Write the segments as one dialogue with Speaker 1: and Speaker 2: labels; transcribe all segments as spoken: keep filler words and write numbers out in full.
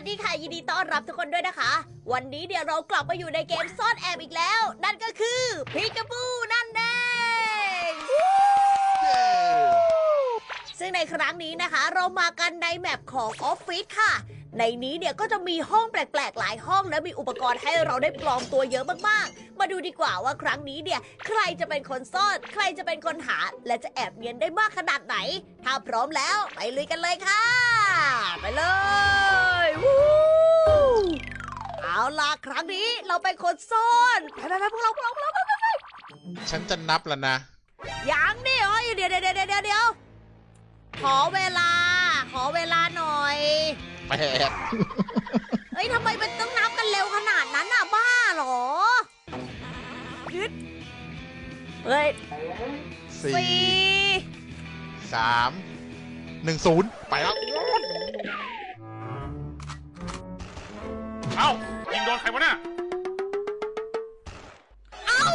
Speaker 1: ดีค่ะยินดีต้อนรับทุกคนด้วยนะคะ วันนี้เดี๋ยวเรากลับมาอยู่ในเกมซ่อนแอบอีกแล้ว นั่นก็คือพิกาบูนั่นเองซึ่งในครั้งนี้นะคะ เรามากันในแมปของออฟฟิศค่ะ ในนี้เนี่ยก็จะมีห้องแปลกๆหลายห้องและมีอุปกรณ์ให้เราได้ปลอมตัวเยอะมากๆมาดูดีกว่าว่าครั้งนี้เนี่ยใครจะเป็นคนซ่อนใครจะเป็นคนหาและจะแอบเนียนได้มากขนาดไหนถ้าพร้อมแล้วไปลุยกันเลยค่ะไปเลยวู้เอาล่ะครั้งนี้เราเป็นคนซ่อนไปไปไปพวกเราพวกเราพวกเราไปไปไป
Speaker 2: ฉันจะนับแล้วนะ
Speaker 1: ยังนี่เอ้ยเดี๋ยวเดี๋ยวเดี๋ยวเดี๋ยวเดี๋ยวขอเวลาขอเวลาหน่อย
Speaker 2: แปด
Speaker 1: เฮ้ยทำไมมันต้องนับกันเร็วขนาดนั้นน่ะบ้าเหรอยึดเฮ้ย
Speaker 2: สี่
Speaker 1: สี่
Speaker 2: สามหนึ่งศูนย์ไปแล้ว
Speaker 3: เอ้ายิงโดนใครวะเนี่ย
Speaker 1: เอ้า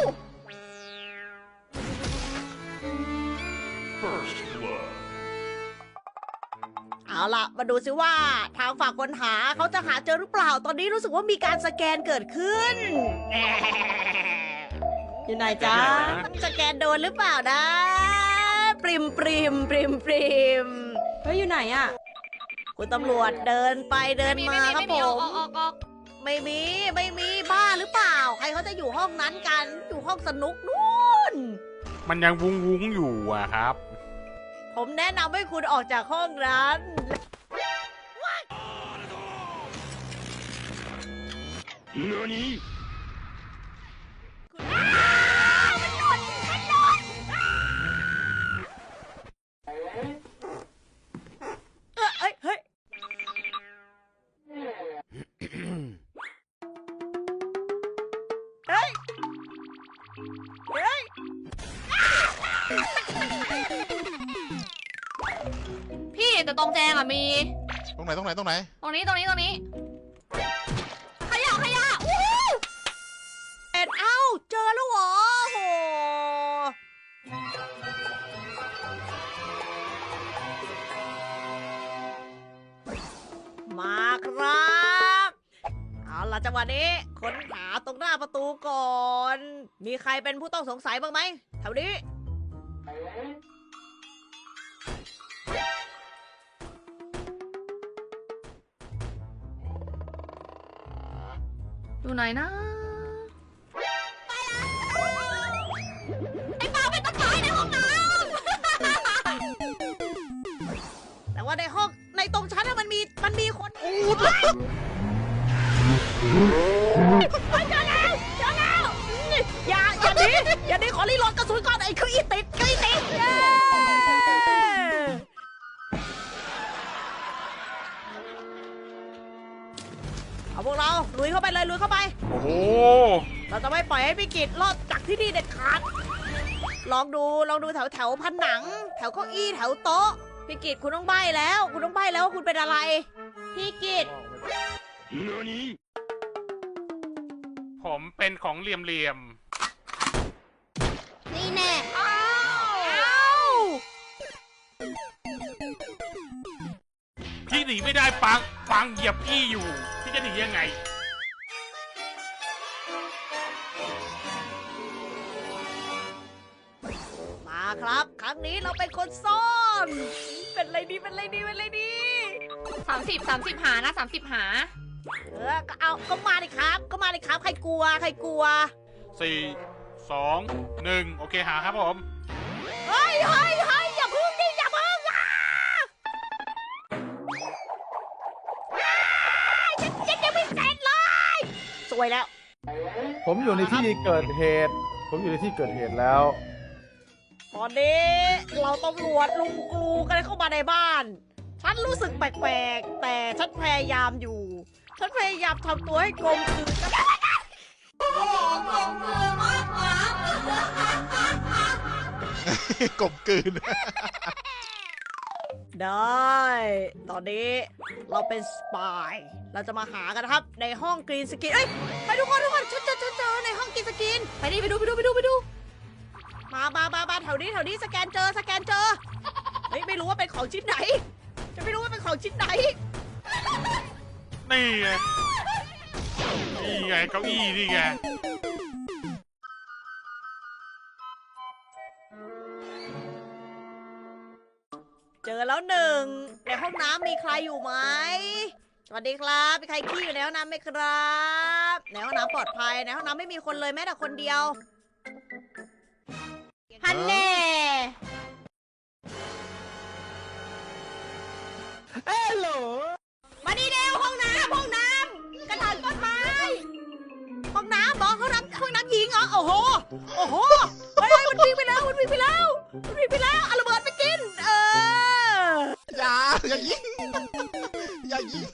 Speaker 3: First blood
Speaker 1: เอาล่ะมาดูซิว่าทางฝั่งคนหาเขาจะหาเจอหรือเปล่าตอนนี้รู้สึกว่ามีการสแกนเกิดขึ้นแหมอยู่ไหนจ๊ะต้องสแกนโดนหรือเปล่านะปริมปริมปริมปริม
Speaker 4: เฮ้ยอยู่ไหนอะ
Speaker 1: คุณตำรวจเดินไปเดินมาครับผมไม่มีไม่มีบ้าหรือเปล่า ใครเขาจะอยู่ห้องนั้นกันอยู่ห้องสนุกนู่น
Speaker 3: มันยังวุ้งวุ้งอยู่อะครับ
Speaker 1: ผมแนะนำให้คุณออกจากห้องนั้น
Speaker 3: 何
Speaker 1: มันหล่นมันหล่นเออเฮ้ยเฮ้ยเฮ้ยเฮ้ย
Speaker 4: พี่แต่ตรงแจงอะมี
Speaker 2: ตรงไหนตรงไหนตรงไหน
Speaker 4: ตรงนี้ตรงนี้ตรงนี้
Speaker 1: ขยะขยะอู้เอ็ดเอ้าเจอแล้วเหรอโหมาครับเอาล่ะจังหวะนี้ค้นหาตรงหน้าประตูก่อน มีใครเป็นผู้ต้องสงสัยบ้างไหมแถวนี้
Speaker 4: อยู่ไหนนะ
Speaker 1: ไอ้ปาเป็นต้นไม้ในห้องน้ำ แต่ว่าในห้องในตรงชั้นน่ะมันมีมันมีคนอูดเลยเฮ้ยเจอแล้วเจอแล้วนี่อย่าอย่าหนีอย่าหนีขอรีโหลดกระสุนก่อนไอ้คืออีติดคืออีติดเย้เอาพวกเราลุยเข้าไปเลยลุยเข้าไป
Speaker 3: โอ้โห
Speaker 1: เราจะไม่ปล่อยให้พี่กิจรอดจากที่นี่เด็ดขาด ลองดูลองดูแถวแถวผนัง แถวเก้าอี้แถวโต๊ะ พี่กิจคุณต้องใบ้แล้ว คุณต้องใบ้แล้วว่าคุณเป็นอะไร พี่กิจ
Speaker 3: 何 ผมเป็นของเหลี่ยมเหลี่ยม
Speaker 1: นี่แน่อ้าวอ้าว
Speaker 3: ๆพี่หนีไม่ได้ปังปังเหยียบพี่อยู่ พี่จะหนียังไง
Speaker 1: มาครับ ครั้งนี้เราเป็นคนซ่อน เป็นอะไรดีเป็นอะไรดีเป็นอะไรดี
Speaker 4: สามสิบสามสิบหานะสามสิบหา
Speaker 1: เออก็เอาก็มาดิครับ ก็มาดิครับ ใครกลัว ใครกลัว
Speaker 3: สี่ สอง หนึ่ง โอเคหาครับผม
Speaker 1: เฮ้ยเฮ้ยเฮ้ยอย่าพึ่งดิอย่าพึ่งอ่ะอ้ายฉันฉันยังไม่เสร็จเลย สวยแล้ว
Speaker 5: ผมอยู่ในที่เกิดเหตุ ผมอยู่ในที่เกิดเหตุแล้ว
Speaker 1: ตอนนี้เราตำรวจลุงกรูกันเข้ามาในบ้าน ฉันรู้สึกแปลกๆ แต่ฉันพยายามอยู่ ฉันพยายามทำตัวให้กลมกลืนกับโอ้โหกลมกลืนมากกว่าก
Speaker 2: ลมกลืน
Speaker 1: ได้ ตอนนี้เราเป็นสปาย เราจะมาหากันนะครับ ในห้องกรีนสกินเอ้ย ไปทุกคนทุกคนฉันเจอฉันเจอในห้องกรีนสกิน ไปดิไปดูไปดูไปดูไปดู มามามามาแถวนี้แถวนี้สแกนเจอสแกนเจอ เฮ้ยไม่รู้ว่าเป็นของชิ้นไหน จะไม่รู้ว่าเป็นของชิ้นไหน
Speaker 3: นี่ไงนี่ไงเก้าอี้นี่ไง
Speaker 1: เจอแล้วหนึ่งในห้องน้ำมีใครอยู่ไหมสวัสดีครับมีใครขี้อยู่ในห้องน้ำไหมครับในห้องน้ำปลอดภัยในห้องน้ำไม่มีคนเลยแม้แต่คนเดียวฮันแน่
Speaker 5: เอ้โหล
Speaker 1: มาดีเร็วห้องน้ำห้องน้ำกระถางต้นไม้ห้องน้ำบอกห้องน้ำห้องน้ำหญิงเหรอโอ้โหโอ้โหเฮ้ยมันวิ่งไปแล้วมันวิ่งไปแล้วมันวิ่งไปแล้วเอาระเบิดไปกินเออ
Speaker 2: อย่าอย่ายิงอย่ายิง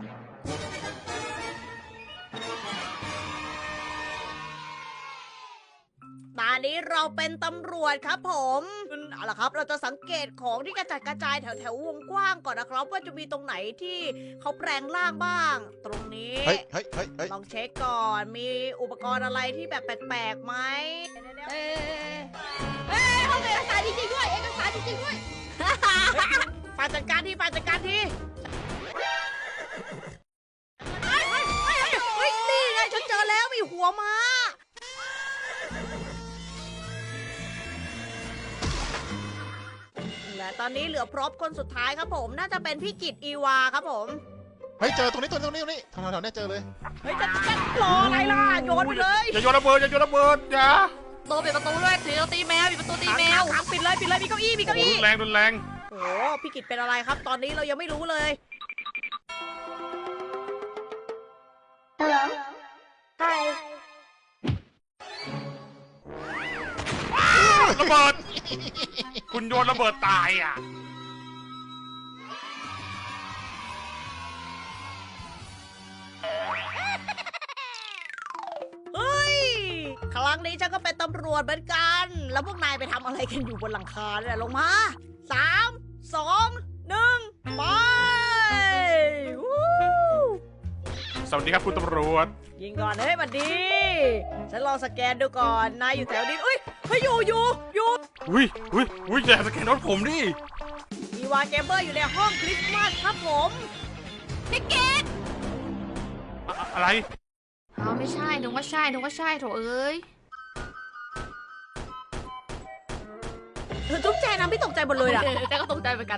Speaker 1: ตอนนี้เราเป็นตำรวจครับผมเอาล่ะครับเราจะสังเกตของที่กระจัดกระจายแถวแถววงกว้างก่อนนะครับว่าจะมีตรงไหนที่เขาแปลงร่างบ้าง ตรงนี้
Speaker 2: เฮ้ยเฮ้ยเฮ้ยเฮ้ย
Speaker 1: ลองเช็คก่อนมีอุปกรณ์อะไรที่แบบแปลกๆไหมเอ้ยเอ้ยห้องเอกสารจริงๆด้วยเอกสารจริงๆด้วย ฝ่ายจัดการที่ฝ่ายจัดการที่เฮ้ยเฮ้ยเฮ้ยเฮ้ยนี่ไงฉันเจอแล้วมีหัวม้าและตอนนี้เหลือพร็อพคนสุดท้ายครับผมน่าจะเป็นพี่กิตอีวาครับผม
Speaker 2: เฮ้ยเจอตรงนี้ตรงนี้ตรงนี้ตรงนี้แถวแถวๆเนี้ยเจอเลย
Speaker 1: เฮ้ยจะจะรออะไรล่ะโยนไปเลย
Speaker 3: อย่าโยนระเบิดอย่าโยนระเบิดอย่า
Speaker 4: ตัวปิดประตูด้วยถือตีแมวปิดประตูตีแมว
Speaker 1: ขังๆปิดเลยปิดเลยมีเก้าอี้มี
Speaker 3: โอ้
Speaker 1: เก้า
Speaker 3: โห
Speaker 1: อี้
Speaker 3: รุนแรงรุนแรง
Speaker 1: โอ้โหพี่กิตเป็นอะไรครับ ตอนนี้เรายังไม่รู้เลย
Speaker 3: ระเบิด คุณโยนระเบิดตายอ่ะ
Speaker 1: เฮ้ย ครั้งนี้ฉันก็เป็นตำรวจเหมือนกัน แล้วพวกนายไปทำอะไรกันอยู่บนหลังคาเนี่ยลงมาสามสองหนึ่งไปวู้
Speaker 3: สวัสดีครับคุณตำรวจ
Speaker 1: ยิงก่อนเฮ้ยบัดดี ฉันลองสแกนดูก่อน นายอยู่แถวนี้อุ้ยเฮ้ยอยู่อยู่อยู่
Speaker 3: อุ้ยอุ้ยอุ้ยอย่าสแกนรถผมดิ
Speaker 1: อีวาเกมเบอร์อยู่ในห้องคริสต์มาสครับผม
Speaker 4: พี่เกด
Speaker 3: อะอะไร
Speaker 4: อ้าวไม่ใช่นึกว่าใช่นึกว่าใช่โถเอ้ย
Speaker 1: เธอจุ๊บแจนะพี่ตกใจหมดเลยอะ
Speaker 4: แต่ก็ตกใจเหมือนกัน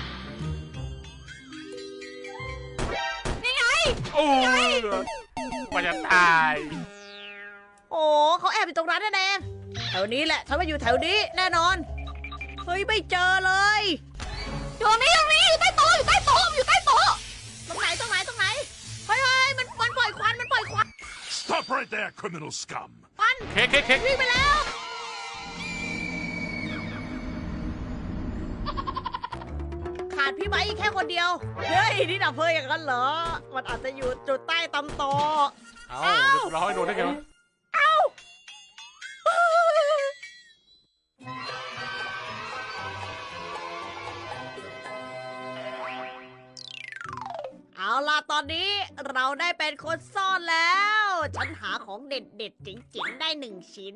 Speaker 3: โอ้ยมันจะตาย
Speaker 1: โอ้เขาแอบอยู่ตรงนั้นแน่ๆแถวนี้แหละฉันมาอยู่แถวนี้แน่นอน เฮ้ยไม่เจอเลย
Speaker 4: อยู่ตรงนี้อยู่ตรงนี้อยู่ใต้โต๊ะอยู่ใต้โต๊ะอยู่ใต้โต๊ะ
Speaker 1: ตรงไหนตรงไหนตรงไหน เฮ้ยเฮ้ยมันมันปล่อยควันมันปล่อยควัน
Speaker 6: Stop right there, criminal scum!
Speaker 1: ควัน
Speaker 3: เค้กเค้กเค้ก
Speaker 1: วิ่งไปแล้วขาดพี่ไม้อีกแค่คนเดียวเฮ้ยนี่ดับเพลิงอย่างนั้นเหรอมันอาจจะอยู่จุดใต้ตำตอ
Speaker 3: เอ้าเรียบร้อยโดนได้ไงวะ
Speaker 1: เอาล่ะตอนนี้เราได้เป็นคนซ่อนแล้ว ฉันหาของเด็ดๆจริงๆได้หนึ่งชิ้น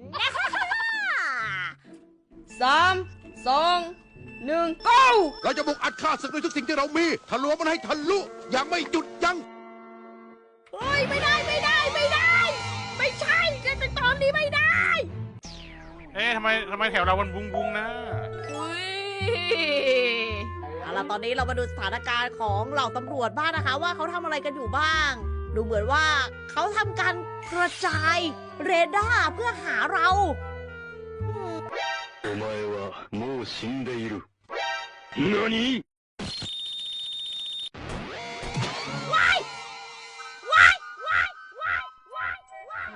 Speaker 4: สามสองหนึ่ง go
Speaker 6: เราจะบุกอัดฆ่าศึกด้วยทุกสิ่งที่เรามีทะลวงมันให้ทะลุอย่างไม่หยุดยั้ง
Speaker 1: เฮ้ยไม่ได้ไม่ได้ไม่ได้ ไม่ใช่จะตอนนี้ไม่ได้
Speaker 3: เอ๊ะทำไมทำไมแถวเรามันบุ้งบุ้งๆนะ
Speaker 4: อุ้ย
Speaker 1: เอาล่ะตอนนี้เรามาดูสถานการณ์ของเหล่าตำรวจบ้างนะคะ ว่าเขาทำอะไรกันอยู่บ้าง ดูเหมือนว่าเขาทำการกระจายเรดาร์เพื่อหาเราอืม
Speaker 7: お前はもう死んでいる。何
Speaker 1: ว้ายว้ายว้ายว้ายว้ายว้าย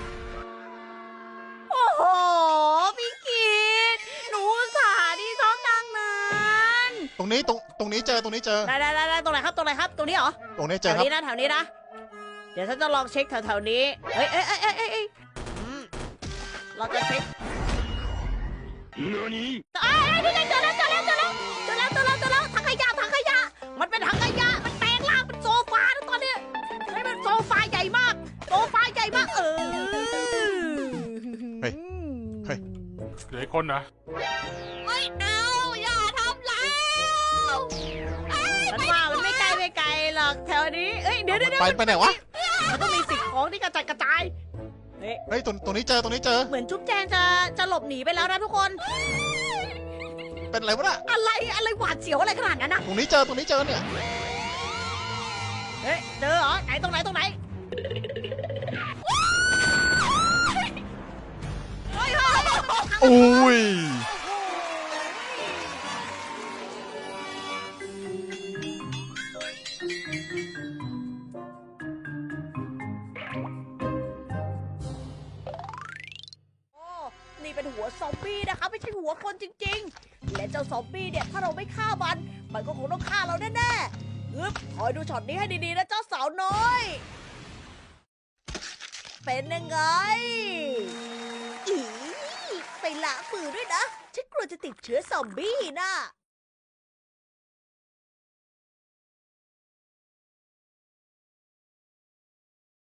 Speaker 1: โอ้โหพี่กิตหนูอุตสาห์ที่ชอบนางนั้น
Speaker 2: ตรงนี้ตรงตรงนี้เจอตรงนี้เจอ
Speaker 1: ได้ได้ได้ได้ตรงไหนครับตรงไหนครับตรงนี้เหรอ
Speaker 2: ตรงนี้
Speaker 1: แถ
Speaker 2: เจอ
Speaker 1: ว
Speaker 2: ครับ
Speaker 1: นี้นะแถวนี้นะ เดี๋ยวฉันจะลองเช็คแถวๆนี้ เฮ้ยเอ้ยเอ้ยเอ้ยเอ้ยเอ้ยอืมเราจะเช็ค
Speaker 7: 何
Speaker 1: เอ้ยเอ้ยนี่ไงเจอแล้วเจอแล้วเจอแล้วเจอแล้วเจอแล้วเจอแล้วถังขยะถังขยะ มันเป็นถังขยะ มันแปลงร่างเป็นโซฟาแล้วตอนเนี้ยเฮ้ยมันโซฟาใหญ่มาก โซฟาใหญ่มาก เออ
Speaker 2: เฮ้ยเฮ้ย
Speaker 3: เหลืออีกคนนะ
Speaker 4: ไม่เอาอย่าทำแล้ว
Speaker 1: ฉันว่ามันไม่ไกลไม่ไกลหรอกแถวนี้ เอ้ยเดี๋ยวเดี๋ยวเดี๋ยว
Speaker 2: ไปไปไหนวะ
Speaker 1: มันต้องมีสิ่งของที่กระจัดกระจายเฮ้ย
Speaker 2: เฮ้ยตรงตรงนี้เจอตรงนี้เจอ
Speaker 1: เหมือนจุ๊บแจงจะจะหลบหนีไปแล้วนะทุกคน
Speaker 2: เป็นอะไรวะน่ะ
Speaker 1: อะไรอะไรหวาดเสียวอะไรขนาดนั้นนะ
Speaker 2: ตรงนี้เจอตรงนี้เจอเนี่ย
Speaker 1: เฮ้ยเจอเหรอไหนตรงไหนตรงไหนเฮ้ยเฮ้ยเฮ้ย
Speaker 2: อุ้ย
Speaker 1: โอ้นี่เป็นหัวซอมบี้นะคะไม่ใช่หัวคนจริงๆ และเจ้าซอมบี้เนี่ยถ้าเราไม่ฆ่ามัน มันก็คงต้องฆ่าเราแน่ๆฮึบคอยดูช็อตนี้ให้ดีๆนะเจ้าสาวน้อย เป็นยังไงอีไปละมือด้วยนะ ฉันกลัวจะติดเชื้อซอมบี้น่ะ